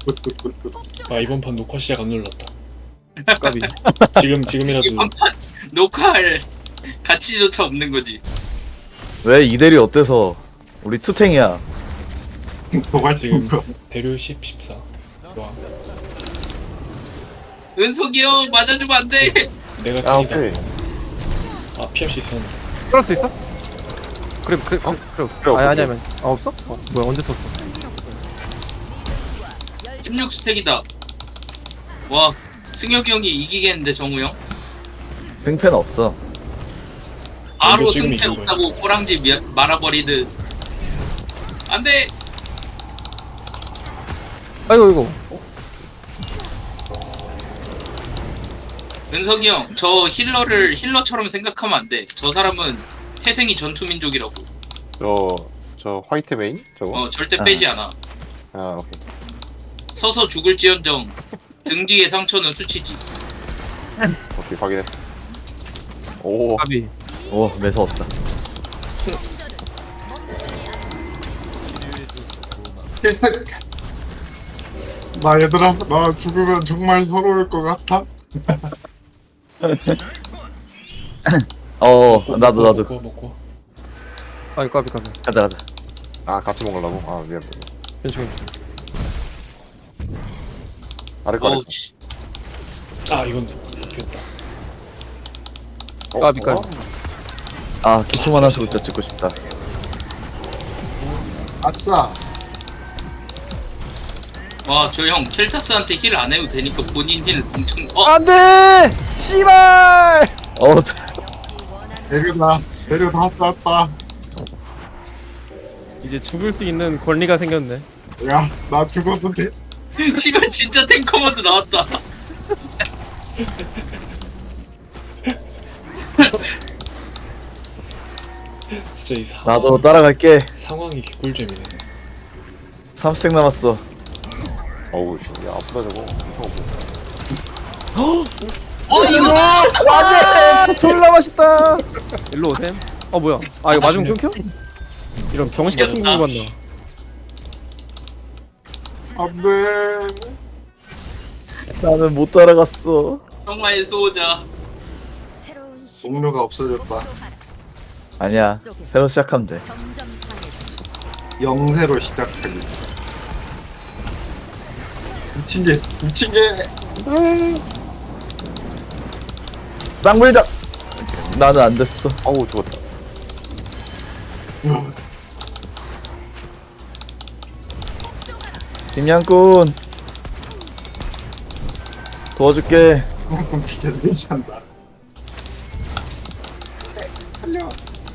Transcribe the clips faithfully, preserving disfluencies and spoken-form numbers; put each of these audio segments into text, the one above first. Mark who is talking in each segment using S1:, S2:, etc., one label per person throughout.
S1: 아 이번 판 녹화 시작 안 눌렀다.
S2: 까비.
S1: 지금 지금이라도
S3: 이번 판 녹화할 가치조차 없는 거지.
S4: 왜 이대리 어때서? 우리 투탱이야.
S5: 도발
S1: 지금
S5: 지금
S1: 대류 십, 십사. 좋아.
S3: 은석이 형 맞아주면 안 돼.
S1: 내가
S6: 아
S1: 탱이다.
S6: 오케이.
S1: 아 피할 수 있었는데.
S2: 끌을 수 있어? 그래 그래 그래 그래.
S6: 그래,
S2: 아니
S6: 없어.
S2: 아니면 아 없어? 어, 뭐야 언제 썼어?
S3: 십육 스택이다. 와 승혁이 형이 이기겠는데 정우 형?
S4: 승패는 없어.
S3: 바로
S1: 먼저 지금
S3: 승패
S1: 이긴 거야.
S3: 없다고 꼬랑지 미- 말아버리듯. 안돼.
S2: 아이고 이거.
S3: 은석이 형, 저 힐러를 힐러처럼 생각하면 안 돼. 저 사람은 태생이 전투민족이라고.
S6: 저저 화이트 메인 저거.
S3: 어 절대
S4: 아.
S3: 빼지 않아.
S6: 아 오케이.
S3: 서서 죽을지언정 등 뒤의 상처는 수치지.
S6: 오케이 확인했어. 오.
S2: 까비.
S4: 오 매서웠다.
S5: 나 얘들아 나 죽으면 정말 서러울 것 같아.
S4: 어 나도
S1: 먹고,
S4: 나도
S1: 먹고 먹고.
S2: 아이 까비 까비.
S4: 가자 가자.
S6: 아 같이 먹으려고. 아 미안.
S2: 괜찮 괜찮.
S6: 아래 거.
S3: 어우 씨.
S1: 아 이건 비었다.
S6: 어,
S2: 까비, 까비.
S4: 아 기초만 하시부터 찍고 싶다.
S5: 아싸.
S3: 와 저 형 켈타스한테 힐 안 해도 되니까 본인 힐 엄청. 어
S2: 안돼. 씨발.
S4: 어 자,
S5: 데려다 데려다 쌌다.
S2: 이제 죽을 수 있는 권리가 생겼네.
S5: 야 나 죽어도 돼.
S3: 씨발 진짜 탱커 모드 나왔다.
S1: 진짜 이 상황,
S4: 나도 따라갈게.
S1: 상황이 개꿀잼이네.
S4: 삼 스택 남았어.
S6: 어우 씨, 야 아프다 저거.
S3: 어 이거다.
S2: 안돼. 졸라 맛있다. 일로 오셈. 어 뭐야? 아 이거 맞으면 끊겨? 이런 병신 같은 거 봤나?
S5: 안돼.
S4: 나는 못 따라갔어.
S3: 정말 수호자.
S5: 동료가 없어졌다.
S4: 아니야 새로 시작하면 돼.
S5: 영세로 시작하기. 미친 게 미친 게.
S4: 땅 물자. 나는 안 됐어.
S6: 어우 죽었다.
S4: 김양꾼 도와줄게.
S5: 조금 피해 괜찮다. 살려.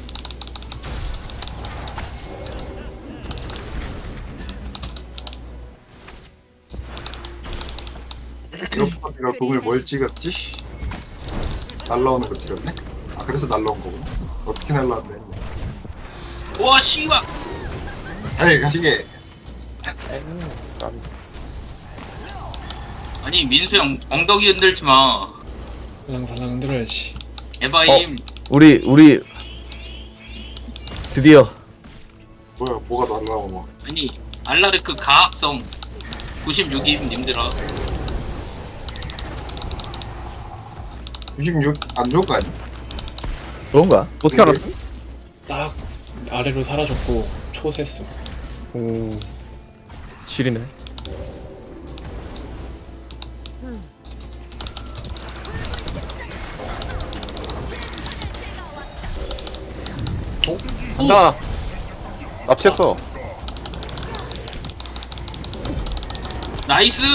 S5: 이어파트가 공을 뭘 찍었지? 날라오는 거 찍었네? 아 그래서 날라온 거구나. 어떻게 날라왔네.
S3: 와 씨발.
S5: 에이 가시게.
S6: 까비.
S3: 아니 민수 형 엉덩이 흔들지 마.
S1: 그냥 사냥 흔들어야지.
S3: 에바임.
S4: 우리 우리 드디어
S5: 뭐야 뭐가 날라오고.
S3: 아니 알라르크 가학성 구십육임 님들아.
S5: 육십육 안 좋은 거 아니야?
S4: 그런가?
S2: 어떻게 알았어?
S1: 딱 아래로 사라졌고 초세스.
S2: 오. 지리네.
S6: 간다. 납치했어.
S3: 나이스.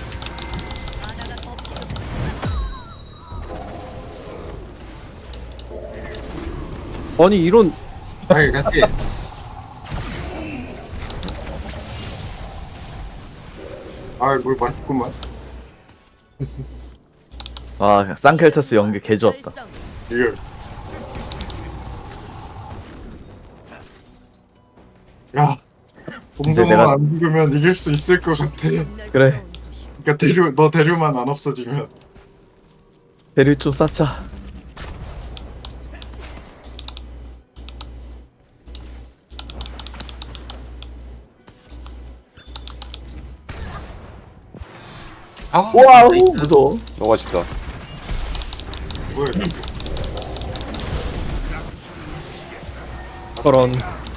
S2: 아니 이런
S5: 아이 같이. 아이 뭘 맛있구만.
S4: 아 쌍켈타스 연계 개 좋았다.
S5: 이거. 야. 동성만
S4: 내가-
S5: 안 죽으면 이길 수 있을 것 같아.
S4: 그래
S5: 그러니까 대류 너 대류만 안 없어지면.
S4: 대류 좀 쌓자.
S6: 아,
S4: 와우 무서워.
S6: 너무 아쉽다.
S5: 뭐야 이거.
S2: 저런.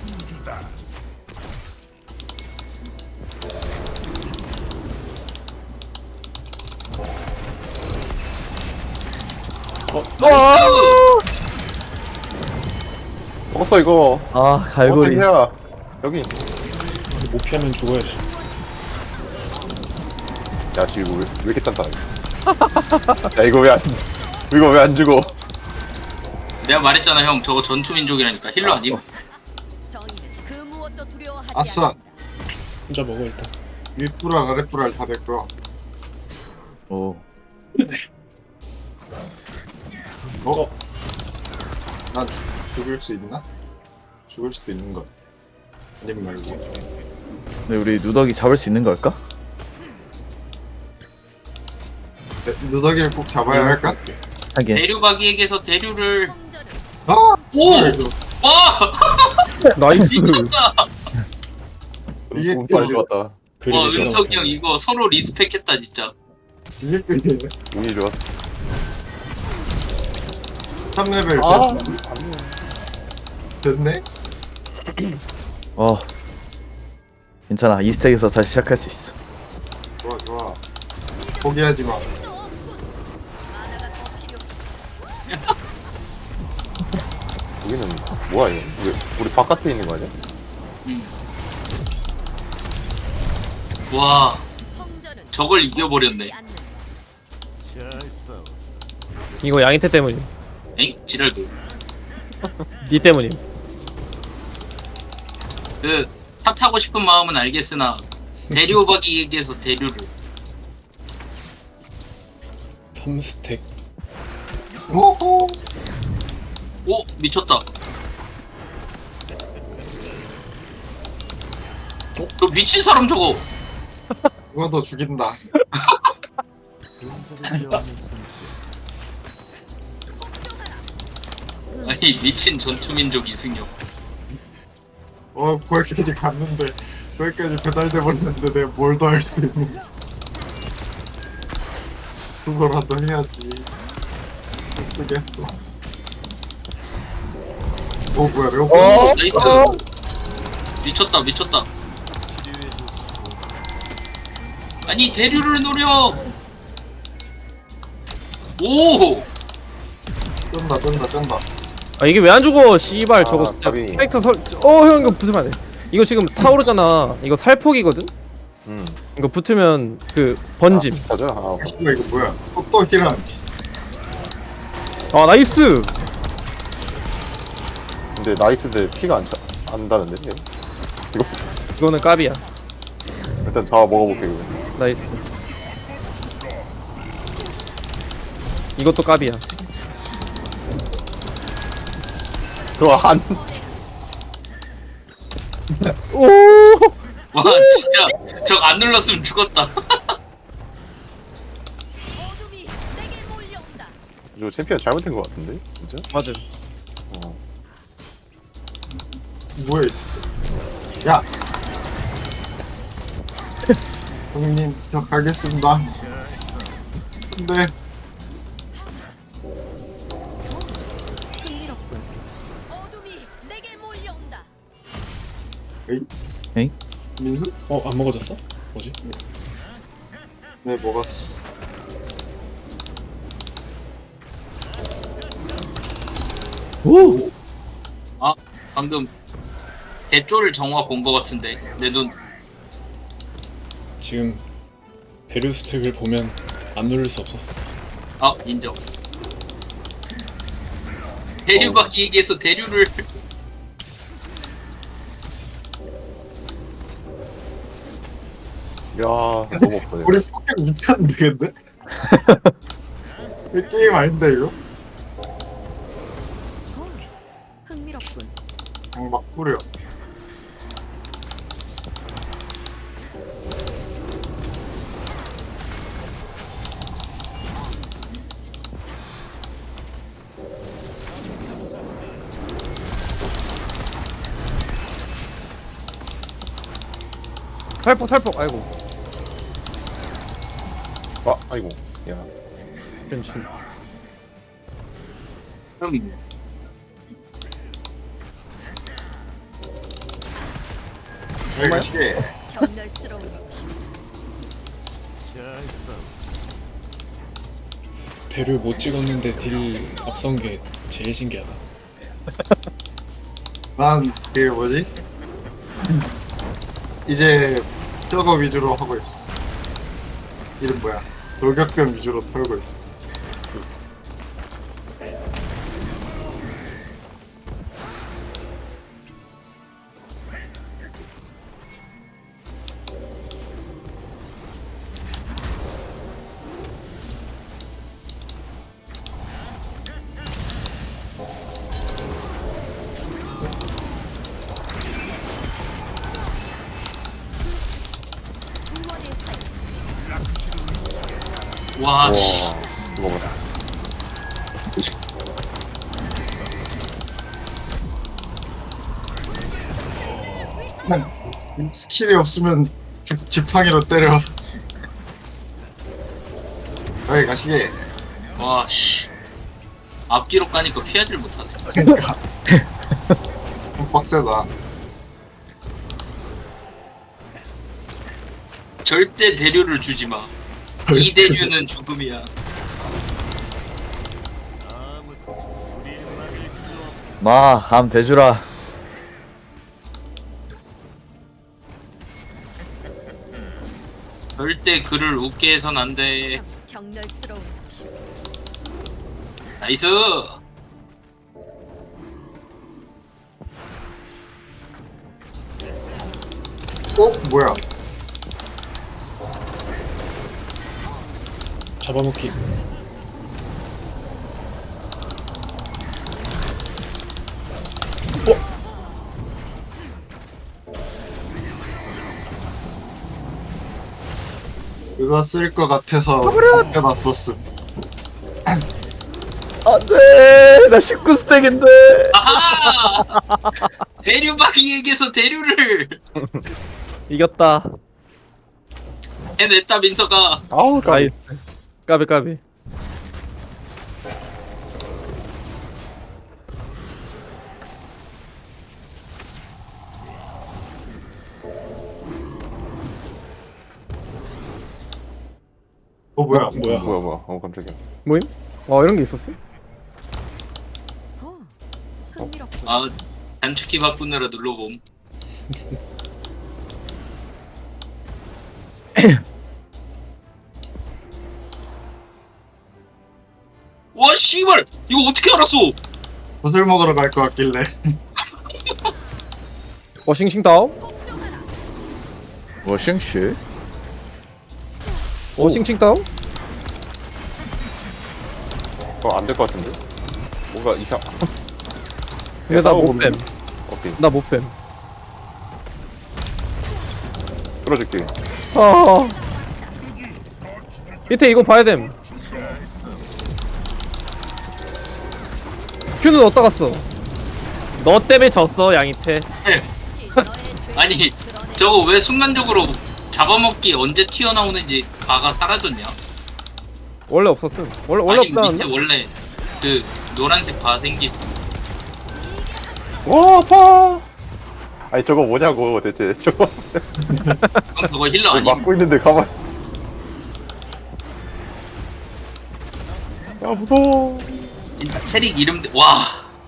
S3: 나이스.
S6: 먹었어 이거.
S4: 아
S6: 어떻게
S4: 갈고리.
S6: 해야? 여기.
S1: 못 피하면 죽어야지.
S6: 야 지금 이거 왜, 왜 이렇게 단단해? 야 이거 왜 안? 이거 왜 안 죽어?
S3: 내가 말했잖아 형 저거 전투민족이라니까 힐러 아님?
S7: 정의는 그 무엇도 두려워하지
S5: 아싸.
S7: 않는다.
S1: 혼자 먹어 일단.
S5: 윗불알 아랫불알 다 됐고요.
S4: 오.
S5: 어? 난 죽을 수 있나? 죽을 수도 있는 거. 아님 말고.
S4: 근데 우리 누더기 잡을 수 있는 걸까?
S5: 네, 누더기를 꼭 잡아야 할까?
S4: 하긴.
S3: 대류박이에게서 대류를
S7: 성전은
S5: 아!
S3: 오!
S5: 뭐야, 이거.
S3: 와!
S2: 나이스.
S3: 미쳤다!
S5: 이게
S6: 너무 빨리 좋았다.
S3: 와
S1: 그림이
S3: 은석이 형 이거 서로 리스펙했다 진짜
S5: 이게 끌리네.
S6: 운이 좋았어.
S5: 삼 레벨
S6: 아.
S5: 됐네?
S4: 어. 괜찮아. 이 스택에서 다시 시작할 수 있어.
S5: 좋아 좋아. 포기하지 마.
S7: 또 없군. 만화가 더 필요.
S6: 여기는 뭐야 이거? 왜 우리 바깥에 있는 거 아니야?
S3: 와
S7: 성전은
S3: 저걸 이겨버렸네
S7: 않는
S2: 이거 양이태 때문임.
S3: 엥? 지랄도
S2: 니 때문임.
S3: 그탑 타고 싶은 마음은 알겠으나 대류박이에게서 대류를
S1: 삼 스택.
S5: 오호.
S3: 오! 미쳤다 어? 너 미친 사람 저거
S5: 누가 더 죽인다.
S3: 아니 미친 전투민족 이승용
S5: 어 거기까지 갔는데 거기까지 배달돼 버렸는데 내가 뭘 더 할 수 있는? 그거라도 해야지. 쓰겠어. 오 뭐야 레오파드.
S3: 어? 나이스 미쳤다 미쳤다 아니 대류를 노려 오!
S5: 쩐다 쩐다 쩐다.
S2: 아 이게 왜 안 죽어? 씨발 저거
S6: 아,
S2: 진짜
S6: 답이.
S2: 캐릭터 설. 어 형 이거 붙으면 안 돼. 이거 지금 타오르잖아. 이거 살폭이거든.
S6: 음.
S2: 이거 붙으면 그 번짐.
S6: 맞아. 아,
S5: 씨발 이거 뭐야? 또또 기란.
S2: 아 나이스.
S6: 근데 나이트인데 피가 안 차, 안 다는데? 얘? 이거
S2: 이거는 까비야.
S6: 일단 잡아 먹어볼게 이거.
S2: 나이스. 이것도 까비야.
S6: 그거 한.
S2: 오.
S3: 와 진짜 저 안 눌렀으면 죽었다
S7: 어둠이 내게 몰려온다.
S6: 이거 챔피언 잘못된 거 같은데? 진짜?
S2: 맞음.
S6: 어.
S5: 뭐야 이 새끼. 야. 형님 저 가겠습니다. 근데
S7: 흥미롭군. 어둠이 내게 몰려온다.
S5: 에이.
S4: 에이?
S5: 민수?
S1: 어 안 먹어졌어? 뭐지?
S5: 네 먹었어.
S4: 오.
S3: 아 방금 대조를 정화 본 거 같은데 내눈
S1: 지금 대류 스택을 보면 안 누를 수 없었어.
S3: 아 인정 대류박이에게서 대류를
S6: 야, 너무 없네.
S5: 우리 포켓 미쳤는데 근데? 이 게임 아닌데 이거?
S7: 흥미롭군.
S5: 그냥 막 뿌려.
S2: 살폭 살폭. 아이고.
S6: 아 아이고 야
S2: 괜춘.
S3: 그럼
S5: 여기 가시게.
S7: 격렬스러운 욕심.
S1: 대류 못 찍었는데 딜 앞선 게 제일 신기하다.
S5: 난 그게 뭐지? 이제 저거 위주로 하고 있어. 이름 뭐야? 돌격병 위주로 털고 있어.
S3: 와 씨.
S6: 와 이거 뭐야
S5: 스킬이 없으면 지- 지팡이로 때려. 여기 가시게.
S3: 와 씨. 앞뒤로 까니까 피하질 못하네.
S5: 그러니까. 좀 빡세다.
S3: 절대 대류를 주지 마. 이 대류는 죽음이야.
S4: 마, 함 대주라.
S3: 절대 그를 웃게 해선 안 돼.
S7: 격렬스러운 욕심.
S3: 나이스.
S5: 어? 뭐야?
S1: 잡아먹기.
S5: 그거 쓸 것 같아서 놨었음.
S4: 안돼, 나 십구 스택인데.
S3: 아하. 대류박이에게서 대류를
S2: 이겼다.
S3: 해냈다 민서가.
S6: 아우 까비
S2: 나이스. 까비 까비.
S5: 어 뭐야?
S1: 뭐야?
S6: 뭐야 뭐야 어 깜짝이야
S2: 뭐임? 어 이런 게 있었어?
S7: 어, 흥미롭군.
S3: 아 단축키 바꾸느라 눌러봄. 와 씨발 이거 어떻게 알았어?
S5: 젖을 먹으러 갈 것 같길래.
S2: 워싱싱 다운?
S4: 워싱시?
S2: 워싱싱 다운?
S6: 어 안 될 것 같은데 뭔가 이상
S2: 근데 나 못 뺨.
S6: 오케이
S2: 나 못 뺨.
S6: 끌어줄게
S2: 아. 밑에 이거 봐야 됨. 큐는 어디다 갔어? 너 때문에 졌어 양이태.
S7: 혹시 너의 죄를
S3: 아니
S7: 드러내-
S3: 저거 왜 순간적으로 잡아먹기 언제 튀어나오는지 바가 사라졌냐?
S2: 원래 없었음. 원래 원래
S3: 아니 밑에
S2: 없다는데.
S3: 원래 그 노란색 바 생긴.
S6: 와 아파 아니 저거 뭐냐고 대체 저거
S3: 그럼 저거 힐러 아니?
S6: 막고 있는데 가만 야 무서워
S3: 진짜 캐릭 이름대 와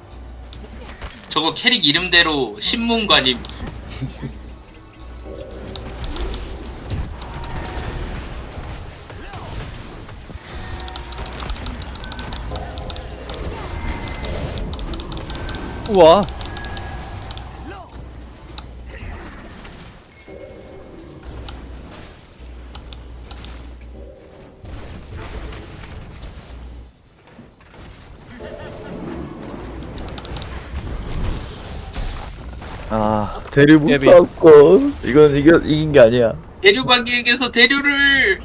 S3: 저거 캐릭 이름대로 신문관임.
S2: 우와.
S4: 아, 대류 못
S2: 예비.
S4: 싸웠고. 이건 이겨 이긴 게 아니야.
S3: 대류박이에게서 대류를.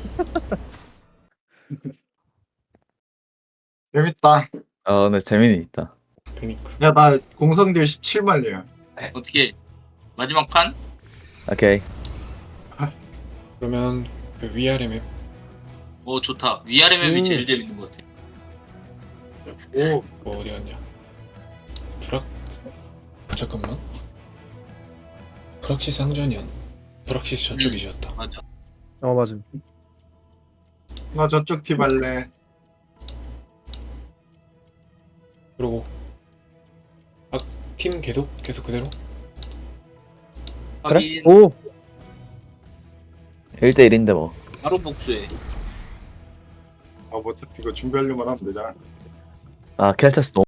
S5: 재밌다.
S4: 아, 근데 재미는 있다.
S1: 그니까.
S5: 야 나 공성딜 십칠만이야.
S3: 어떻게 마지막 판?
S4: 오케이.
S1: 그러면 그 위아래 맵
S3: 어 좋다. 위아래 맵이
S2: 음.
S3: 제일 재밌는 것 같아.
S5: 오,
S1: 뭐 어디 갔냐? 프락 잠깐만. 프락시스 상전이었. 프락시스 저쪽이셨다.
S3: 맞아.
S2: 어 맞음.
S5: 나 저쪽 팀 할래.
S1: 그리고 아팀 계속 계속 그대로.
S2: 그래?
S3: 하긴
S2: 오.
S4: 일 대 일인데 뭐.
S3: 바로 복수해.
S5: 아, 뭐 어차피 이거 준비하려면 하면 되잖아.
S4: 아 켈타스 너무